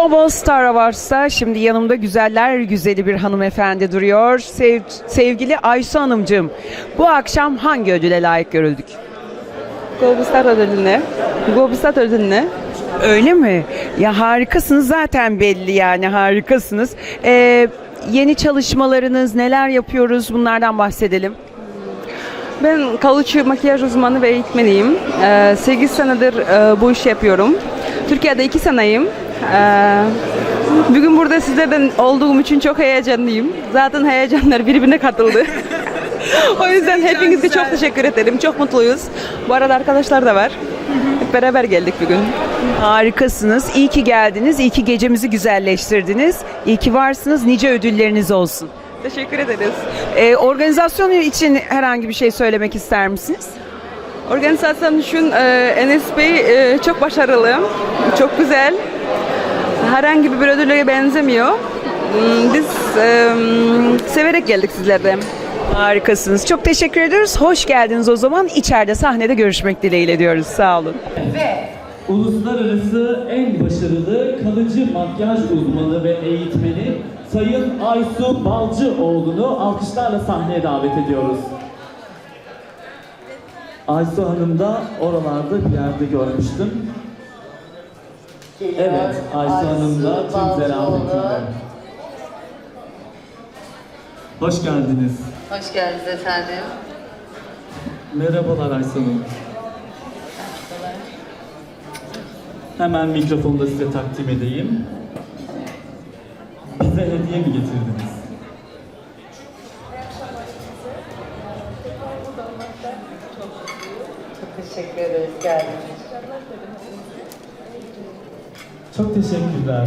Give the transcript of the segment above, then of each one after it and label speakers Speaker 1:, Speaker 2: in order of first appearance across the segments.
Speaker 1: Global Star Awards'ta şimdi yanımda güzeller güzeli bir hanımefendi duruyor. Sevgili Aysu Hanımcığım, bu akşam hangi ödüle layık görüldük?
Speaker 2: Globustat ödülüne. Globustat ödülüne.
Speaker 1: Öyle mi? Ya harikasınız zaten belli yani harikasınız. Yeni çalışmalarınız neler yapıyoruz bunlardan bahsedelim.
Speaker 2: Ben kalıcı makyaj uzmanı ve eğitmeniyim. 8 senedir bu işi yapıyorum. Türkiye'de 2 seneyim. Bugün burada sizlerden olduğum için çok heyecanlıyım. Zaten heyecanlar birbirine katıldı. O yüzden hepinize çok teşekkür ederim. Çok mutluyuz. Bu arada arkadaşlar da var. Hep beraber geldik bugün.
Speaker 1: Harikasınız. İyi ki geldiniz. İyi ki gecemizi güzelleştirdiniz. İyi ki varsınız. Nice ödülleriniz olsun.
Speaker 2: Teşekkür ederiz.
Speaker 1: Organizasyon için herhangi bir şey söylemek ister misiniz?
Speaker 2: Organizasyon için Enes Bey çok başarılı, çok güzel. Herhangi bir ödüle benzemiyor. Biz severek geldik sizlerden.
Speaker 1: Harikasınız. Çok teşekkür ediyoruz. Hoş geldiniz o zaman. İçeride sahnede görüşmek dileğiyle diyoruz. Sağ olun.
Speaker 3: Uluslararası en başarılı kalıcı makyaj uzmanı ve eğitmeni Sayın Aysu Balcıoğlu'nu alkışlarla sahneye davet ediyoruz. Aysu Hanım da oralarda bir yerde görmüştüm. Evet, Aysu Hanım da tüm zarafetiyle. Hoş geldiniz.
Speaker 4: Hoş geldiniz efendim.
Speaker 3: Merhabalar Aysu Hanım. Hemen mikrofonu da size takdim edeyim. Bize hediye mi getirdiniz?
Speaker 4: Çok teşekkür ederiz geldiğiniz için.
Speaker 3: Çok teşekkürler.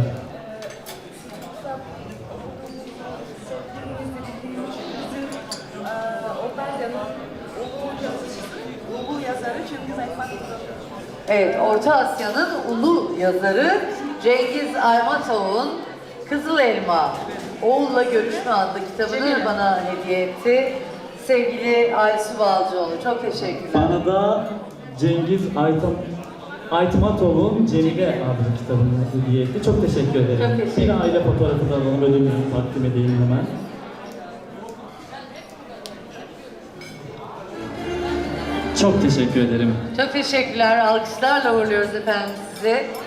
Speaker 4: Evet, Orta Asya'nın ulu yazarı Cengiz Aytmatov'un Kızıl Elma, Oğulla Görüşme adlı kitabını bana hediye etti. Sevgili Aysu Balcıoğlu, çok teşekkürler.
Speaker 3: Bana da Cengiz Aytmatov'un Cemile adlı kitabını hediye etti. Çok teşekkür ederim.
Speaker 4: Çok teşekkür
Speaker 3: Bir aile fotoğrafı da alalım, ödülümüzü takdim edeyim hemen. Çok teşekkür ederim.
Speaker 4: Çok teşekkürler, alkışlarla uğurluyoruz efendim sizi.